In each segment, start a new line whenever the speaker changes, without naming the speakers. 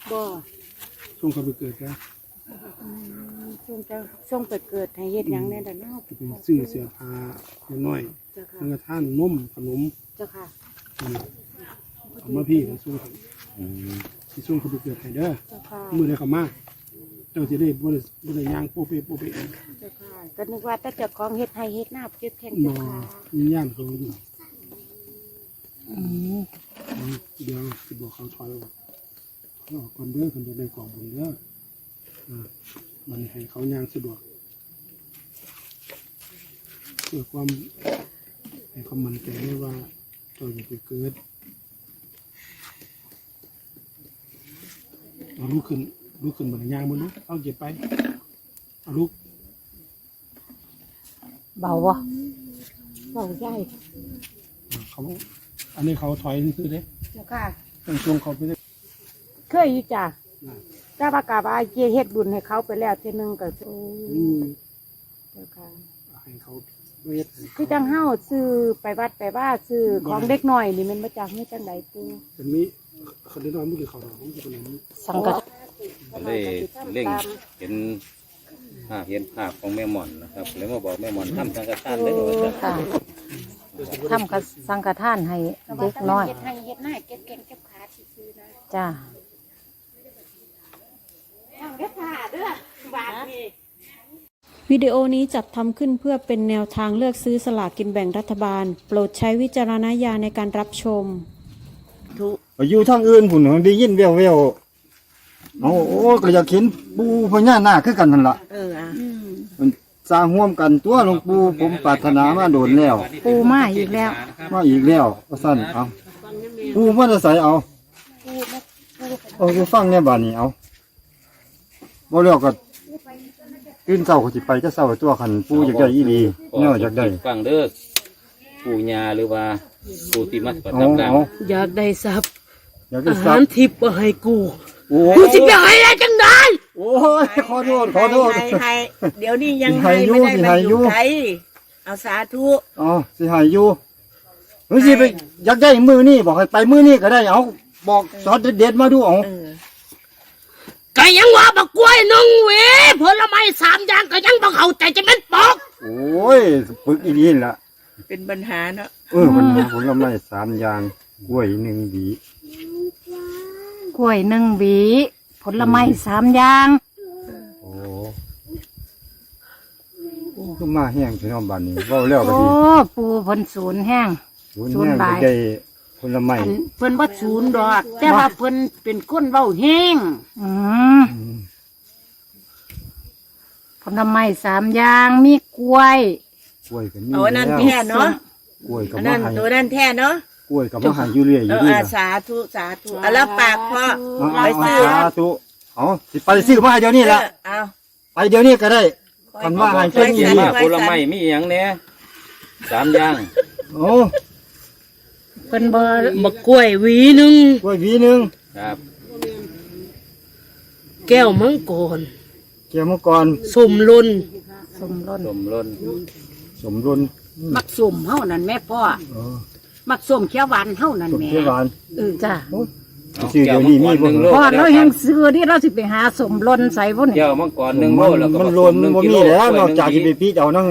บ่
ส่งเขาไปเกิดนะ
ส่งไปเกิดให้เฮ็ดหยังแน่ล่ะเนาะ
เป็นซื้อเสื้อผ้าน้อย
เจ้าค่ะ
สังฆทานนมขนม
เจ้าค่ะ
เอามาพี่มาส่งที่ส่งเขาไปเกิดให้เด้อ
เจ้าค่ะ
มื้อใดเขามาเจ้าสิได้บ่ได้ย่างโปเปเอง
เจ้าค่ะก็นึกว่าแต่เจ้าของเฮ็ดให้เฮ็ดหน้าเจ็บแข้ง
บ่
เจ้าค่ะ
มีย่านเขาอยู่เดี๋ยวสิบอกเขาถอยออกก่อนเด้อคนจะได้กองบุญเด้อมันให้เขาย่างสะดวกเพื่อความให้เขามั่นใจว่าเจ้าจะไปเกิดเอาลุกขึ้นบนย่างบนลุกเอาเก็บไปเอาลุก
เบาบ่เบาใหญ่
เขาอันนี้เขาถอยซื้อเด้
เจ้าค่ะ
ต้องช่วงเขาไปได้
เคยอยู่จ้ะถ้าประกาศว่าเฮ็ดบุญให้เขาไปแล้วเทื่อนึงก็โอ้เจ้าค่ะ
ให้เขาเวท
คือจังเฮาซื้อไปวัดไปว่าซื้อของเด็กน้อยนี่มันมาจากให้จังไดปู่
เป็นนี้เขาได้นอนมือเขาเราของจะเป็นนี้
สังกัด
ได้เร่งเห็นภาพของแม่หม่อนนะครับแล้วมาบอกแม่หม่อนทำสังฆทานเลยว่า
ค่ะทำกับสังฆทานให้เด็กน้อย
เฮ็ดให้เฮ็ดหน้าเก็บแข้งเก็บขาซื่อๆนะ
จ้า
ทางเด้อค่ะเด้อบาทนี่
วิดีโอนี้จัดทำขึ้นเพื่อเป็นแนวทางเลือกซื้อสลากกินแบ่งรัฐบาลโปรดใช้วิจารณญาณในการรับชม
อยู่ทางอื่นผุนได้ยินแววเอาโอ้ก็อยากเห็นปูพญานาคคือกันนั่นล่ะมันสร้างร่วมกันตัวหลวงปู่ผมปรารถนามาโดนแล้ว
ปูมาอีกแล้ว
มาอีกแล้วว่าซั่นเอาปูมาจะใส่เอาฟังเนี่ยบ้านนี้เอาบ่แล้วก็ตื่นเช้าก็สิไปจะเช้าตัวคันปูอยากได้อีหลีแนวอยากได้
ฟังเด้อปู่ย่าหรือว่าปู่ที่มาประ
เอา
ทับร่าง
เอา
อยากได้ทรัพย์
อยากได้
อา
ทรั
หา
พ
ร
ย์
ทิพย์มาให้กู
โอ้
กูจะไปให้ได้จังได้
โอ้ยขอโทษ
ให้เดี๋ยวนี้ยัง
ให้
ให้
อยู่
ไม่ได้
สิ
มา
ให้
อ
อยู่
ยู่ไทยเอาสาธุ
อ๋อสิหายอยู่เฮ้ยสิไปอยากได้มือนี่บอกให้ไปมือนี่ก็ได้เอาบอกสอนเด็ดๆมาดูเอา
ก็ยังว่าบักกล้วยน้องเวผลไม้3อย่างก็ยังบักเข้าใจจะเป็นปอก
โอ้ยปึกอีนี่ล่ะ
เป็นปัญหาเนาะ
มันหาผลไม้3อย่างกล้วย1หวี
กล้วย1หวีผลไม้3อย่าง
โอ้ก็มาแห้งพี่น้องบ้านนี้เว้าแล้วก็
โอ้
ดี
ปูเพิ่นศูนย์แห้ง
ศูนย์แห้งก็ได้ผลไม้
อันเพิ่นบ่ศูนย์ดอกแต่ว่าเพิ่นเป็นคนเว้าแห้ง
อืมผลไม้3อย่างมีกล้วย
กล้วยก็มี
เอาอันนั้นแท้เนาะ
กล้วยก็
อัน
มา
นั้น
ให้
ตัวนั้นแท้เนาะ
กล้วยก็มาให้อยู่เรื่อยอยู่ดีล่ะ
สาธุสาธุเอาแล้วปากพ่อ
เอา
ไปซื้อ
สาธุเอาสิไปซื้อมาให้เดี๋ยวนี้ล่ะ
เอา
ไปเดี๋ยวนี้ก็ได้คันว่าให้เพิ่นอี
ว่า
นี่
ผลไม้มีอย่างเนี้ย3อย่าง
โอ้
เพิ่นบ่
บักกล้วยหวีหนึง
กล้วยหวีหนึง
ครับ
แก้วมังกร
เกี่ยวมังกร
สมลน
สมรส
สมรน
สมรุน
มักส้มเฮานั่นแม่พ่อ
เออ
มักส้มเขียวหวานเฮานั่น
สม
แม่
เขียวหวาน
จ้า
ชื่อเดี๋ยวนี้มีบ่
พอเราแห่งซื้อที่เราสิไปหาสมรนใส่พุ่นนี่
แก้วมังกร1โลแล้วก็
มัน
ผ
ล
ส
น
หนึ่ง
บ่
กิ
มี
โ
แล้วนอกจาก
กล้
สิ
วย
ไปปีเจ้านั่ง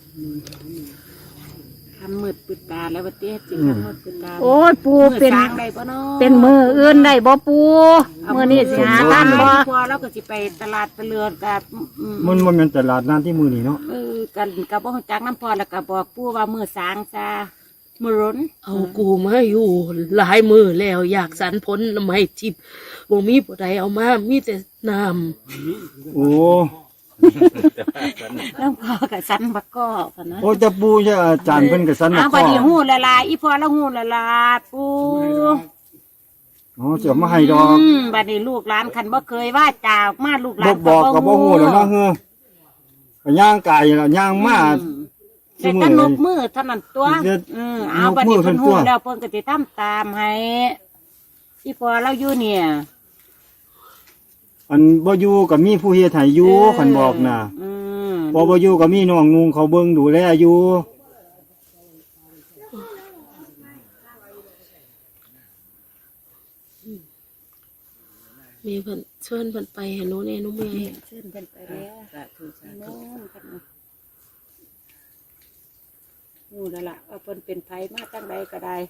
ทำมืดปิดตาแล้วว่าเตี้ยสิทำมืดปิดตา
โอ้ยปู
มือ
เป็น
สร้างได้บ่เนาะ
เป็นมืออื่นได้บ่ปูมือนี้สิหาท่านบ่
พอแล้วก็สิไปตลาดตะเลือนกับ
มันบ่แม่นตลาดน้ำที่มื้อนี้เนาะ
กันกับบ่ฮู้จักน้ำพอแล้วก็บอกปู่ว่ามือสร้างซามือร้น
เอากูมาอยู่หลายมือแล้วอยากสรรผลไม้ทิพย์บ่มีผู้ใดเอามามีแต่น้
โอ้
แล้วพอกับสันบักก็พะนะ
โอ้จะปูจะอาจารย์เพิ่นก็สัน
อ้าว
นะ
บัดนี้ฮู้ละลายอีพอแล้วฮู้ละลาปู่
อ๋อสิเอามาให้ดอก
บัดนี้ลูกหลานคันบ่เคยว่าจาออกมาลูกหลา
บ่
น
บอกก็บ่ฮู้แล้วเนาะเฮ้อก็ย่างกายล่ะย่างมา
แต่ตนบมือเท่านั้นตัวเอาบัดนี้เพิ่นฮู้แล้วเพิ่นก็สิทำตามให้อีพอเราอยู่เนี่ย
อันบ่อยู่ก็มีผู้เฮ็ดให้อยู่คันบอกน่ะพอบ่อยู่ก็มีน้องนุงเขาเบิ่งดูแลอยู่
มีเพิ่นเชิญเพิ่นไปให้หนูแน่หนูเมื่อย
เชิญเพิ่นไปแล้ว
สาธุสาธุ
โน่นกันนู่นแล้วล่ะว่าเพิ่นเป็นไผมาจังใดก็ได้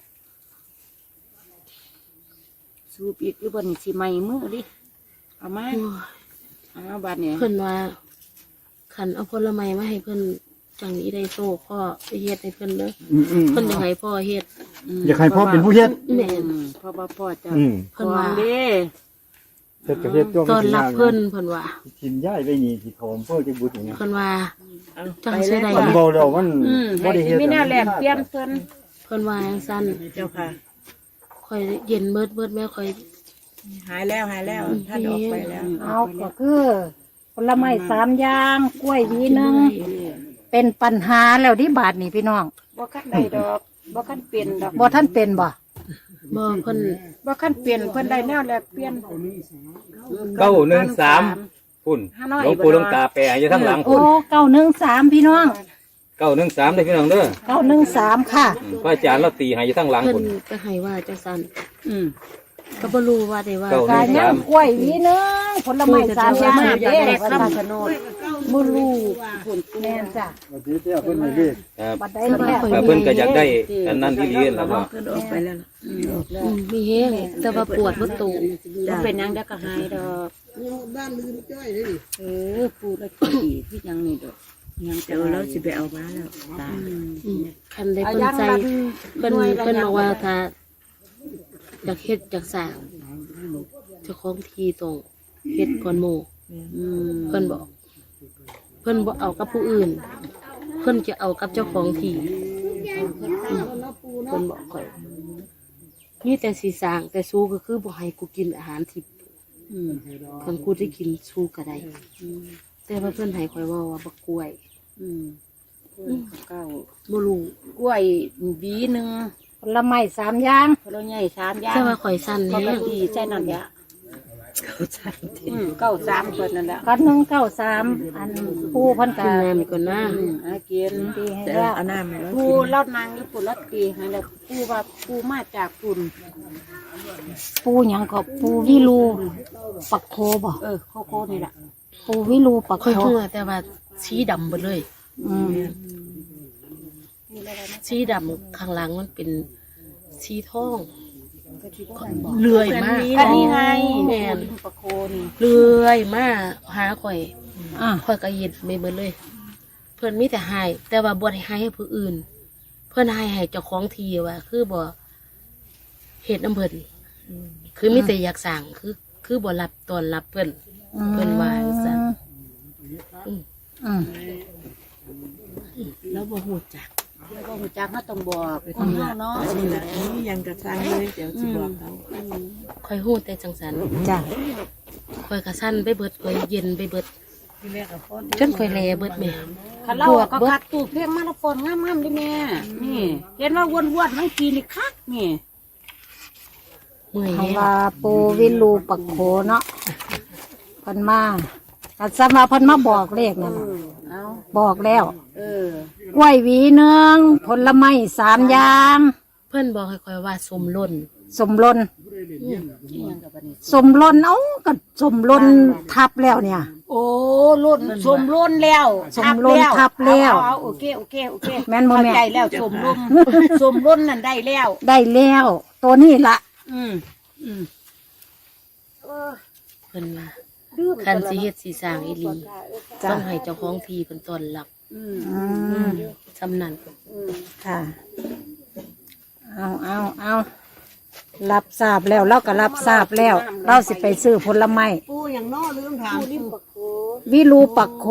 สูบอีกหรือบ่นี่สิไหม้มือดิเอามา
โอ้ย
เอาบัดนี้
เพิ่นว่าขันเอาผลไม้มาให้เพิ่นจังนี้ได้โซ่พ่อไปเฮ็ดให้เพิ่นเด้อเพิ่นอยากให้พ่อเฮ็ด
อยากให้พ่อเป็นผู้เฮ็ด
แม่น
เพราะว่าพ่อจะ
เพิ่นว่า
เด้
เฮ็ดกับเฮ็ดตัว
ตอนรับเพิ่นเพิ่นว่า
กินย้ายไปนี่สิถมเพิ่นจะบุญอย่างเงี้ย
เพิ่นว่า
เอา
จัง
ไป
สิ
เลย
ได้
มันเบาแล้วมัน
ให้
บ่ได้เฮ็ด
มีแนวแลกเปลี่ยนเพิ่น
เพิ่นว่าจังซั่น
เจ้าค่ะ
ค่อยเย็นเบิดแม่ค่อย
หายแล้วท่านออกไปแล้ว
เอาก็คือผลไม้3อย่างกล้วยหวีหนึงเป็นปัญหาแล้วที่บาทนี่พี่น้อง
บ่คันได้ดอกบ่คันเปลี่ยนดอก
บ่ท่านเป็นบ่
บ่เพิ่น
บ่คันเปลี่ยนเพิ่นได้แนวแลกเปลี่ยน
913พุ่นหลวงปู่หลวงตาแปรอยู่ทั้งหลัง
โอ้
พุ่น
913พี่น้อง
913ได้พี่น้องเด้อ
913ค่ะ
พระอาจารย์เราตีให้อยู่ทั้งหลัง
เพิ่น
พุ่น
ก็ให้ว่าจังซั่น
อืม
ก็บ่รู้ว่าได้ว่า
เก้า
กายย่างกล้วยหวีหนึงผลไม้3อย่าง
อยาก
เด้
ได้
ว่า
คำ
ซั่น
ชะโนด
บ่รู้แม่นจ้ะ
ว่าสิเจ้าเพิ่นให้เด้
ครับ
บัดใดแม่
แต่เพิ่นก็อยากได้อันนั้นที่ดีแล้วก็
เพิ่นออกไปแล้ว
มีแฮงแต่ว่าปวดบ่ตู
บ่เป็นหยังเดี๋ยวก็หายดอกปูละกี่ที่ยังนี่ดอกยัง
เดี๋ยวเราสิไปเอามาแล้วตา
คันได้เพิ่นใจเพิ่นบอกว่าถ้าอยากเฮ็ดอยากสร้างเจ้าของที่ต้องเฮ็ดก่อนหมู่เพิ่นบอก เพิ่นบ่เอากับผู้อื่น เพิ่นจะเอากับเจ้าของที่เพิ่นบอกข่อยมีแต่สีสร้างแต่สู้ก็คือบ่ให้กูกินอาหารทิพย์คันกูได้กินสู้ก็ได้แต่ว่าเพิ่นให้ข่อยเว่าบักกล้วย
เก้า
บ่รู้
กล้วยหวีหนึง
ผลไม้3อย่าง
ผลใหญ่3อย่าง
แต่ว่าข่อยสั้น
ป
แฮ
ก
ง
ติใช่นั่นแหละ93เพิ่นนั่นแหละ
กัน193อันปูเพิ่น
กิ
ก็
นน้ำก่อนนะ
อากิน
ตีให้
แต่
แล้ว
เอาน้ำให้เรา
ปูเล่านางญี่ปุ่นลัดตีให้แล้วปูว่าปูมาจากปุ่น
ปูหยังก็ปูวิลูปักโคบ่
โคโค่นี่แหละ
ปูวิลูปัก
ค่อย
โค
หัวแต่ว่าสีดำหมดเลย
อืม
สีดำข้างหลังมันเป็นสีทองเลื่อยมาก
อันนี้ไง
แม่น
ปะโคนี่
เลื่อยมากหาข่อย
อ่ะ
ข่อยก็เย็ดไม่เบิดเลย เพื่อนมีแต่ให้แต่ว่าบ่ได้ให้ผู้อื่น เพื่อนให้เจ้าของทีว่า คือบ่เฮ็ดน้ำเพิ่นคือมีแต่อยากสั่งคือบ่รับตอนรับเพิ่นเพิ่นว่าซั่น
อืม
แล้วบ่ฮู้จัก
แล้วก็หูจักเขาต้องบอกคนเฮาเนาะ
นี่แหละนี่ยังกระซังเลยเดี๋ยวสิบอกเขา
ค่อยฮู้แต่จังซั่น
จ้ะ
ค่อยก็สั่นไปเบิดค่อยเย็นไปเบิดจนค่อยแลเบิดแม่
คันเราก็คัดตูเพลงมาละฟอนงามๆดิแม่นี่เห็นว่าวนๆทั้งปีนี่คักนี่
เมื่อย
คำ
แฮง
ว่าปูวิลูปักโคเนาะเพิ่นมาก็สำหรับเพิ่นมาบอกเลขนั่นน่ะ
เอา
บอกแล้ว
อ
กล้วยหวีหนึงผลไม้3อย่าง
เพิ่นบอกให้ค่อยว่าสมล้น
สมลน
นี่ยังกับอันนี้
สมลนเอ้าก็สมลนทับแล้วเนี่ย
โอ้ล้นสมล้นแล้ว
สมล้นทับแล้ว
เอาโอเค
แม่นบ่แม่
เข้าใจแล้วสมล้นสมล้นนั่นได้แล้ว
ได้แล้วตัวนี้ละ
อืม
เพิ่นว่าคันสิเฮ็ดสิสร้างอีหลีต้องให้เจ้าของที่เพิ่นต้อนรับ
อืม
สำนั้น
ค่ะ เอารับทราบแล้วเราก็รับทราบแล้ว เราสิไปซื้อผลไม้วิลูปักโข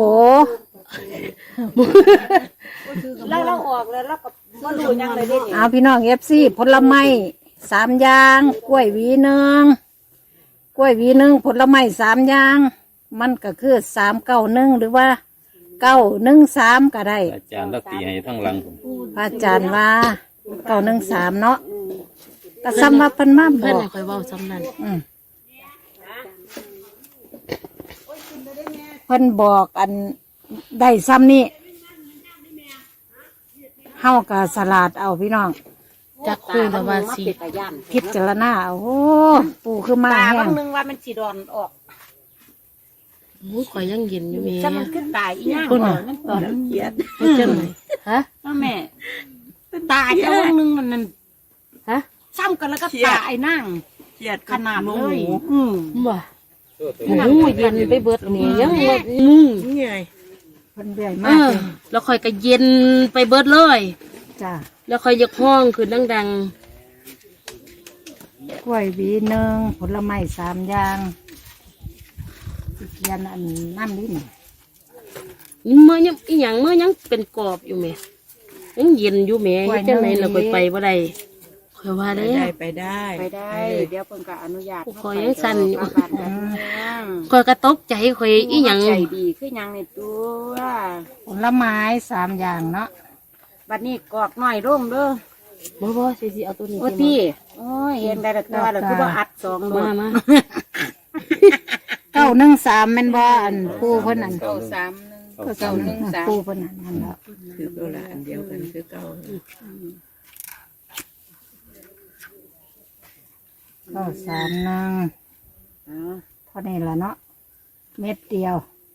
เราออกแล้วเราก็บ่รู้ยังเลยเด้นี่
เอาพี่น้องFCผลไม้3อย่างกล้วยหวีหนึงกล้วยหวีหนึงผลไม้3อย่าง มันก็คือ391หรือว่า913ก็ได้
อาจารย์เราตีให้ทั้งหลังพุ่น
พระอาจารย์ว่า913เนาะก็สำหรับเพิ่นมาบ
เพิ่น
อก
ให้ค่อยเว้าสำนั้น
เพิ่นบอกอันได้ซ้ำนี่เฮาก็สลาดเอาพี่น้อง
จักคุยแล้วว่าสิ
พิจารณาโอ้ปูคือมา
ตา
แห้
บาง งนึงว่ามันสิดอนออก
โอ้ยข่อยยังเย็นอยู่แม่
จะมันขึ้นตายอีหยัง
คุณ
มันตอนมันเกลียด
ให้จังไหนฮะ
แม่ตายเจ้านึงนั่น
ฮะ
ซ้ำกันแล้วก็ตายนั่ง
เครียด
ขนาดเลย
บ่โอ้ยเย็นไปเบิดนี่ยังบ่มุ้ง
นี่ไง
เพิ่นเรื่อย
เอ
มาก
อแล้วข่อยก็เย็นไปเบิดเลย
จ้า
แล้วข่อยอยากห้องคือดัง
กล้วยหวีหนึ่งผลไม้3อย่างสิเขียนอันนั่นนี่นี่
ๆเมื่อยังอีหยังเมื่อยังเป็นกรอบอยู่แม่ยังเย็นอยู่แม่เฮ็ดจังไหนแล้วข่อยไปบ่ได้ข่อยว่า
ไป
แล้
ได้
ว
ไปได้
ไปได้ เดี๋ยวเพิ่นก็อนุญาต
ขอยังสั่นอยู่
เข้าไปบ้านกัน
ข่อยก็ตกใจข่อยอีหยัง
ใจดีคือหยังในตัว
ผลไม้3อย่างเนาะ
บัดนี้กอกหน่อยร่มเด้อ
บ่สิเอาตัวนี้
โอ้พี่โอ้ยเห็นได้แต่ตัวแล้วคือว่าอัดสองโล
มา
913แม่นบ่อันปูเพิ่นนั่น
3
ปูเพิ่นนั่นแหละ
คือตัวละอันเดียวกันคือเก่า
931เท่านี้ล่ะเนาะเม็ดเดียว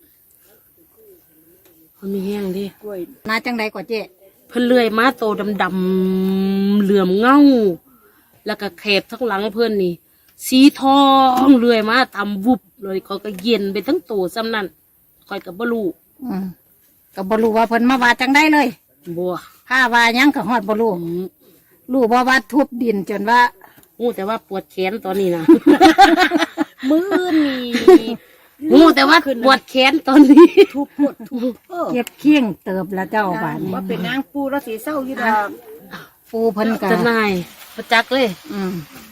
คนมีแห้งดิ
กล้วย
มาจังใดกว่าเจ๊
เพิ่นเลื่อยมาโตดำๆเหลื่อมเงา แล้วก็แคบทั้งหลังเพิ่นนี่ สีทองเลื่อยมาตำวุบเลยเขาก็เย็นไปทั้งโตซ้ำนั่นคอยกับบ่รู้
ก็บ่รู้ว่าเพิ่นมาว่าจังได้เลย
บัว
ถ้าว่าหยังก็ฮอดบ่รู้รู้บ่ว่าทุบดินจนว่า
งูแต่ว่าปวดแขนตอนนี้นะ
มือนี่
งูแต่ว่าปวดแขนตอนนี้
ทุบปวดทุบ
เก็บเคียงเติบแล้วเจ้าบาดนี้
ว่าเป็นนางปูแล้วสีเศร้าอยู่ดอก
ปูเพิ่นก็
จะนายประจักษ์เลย
อืม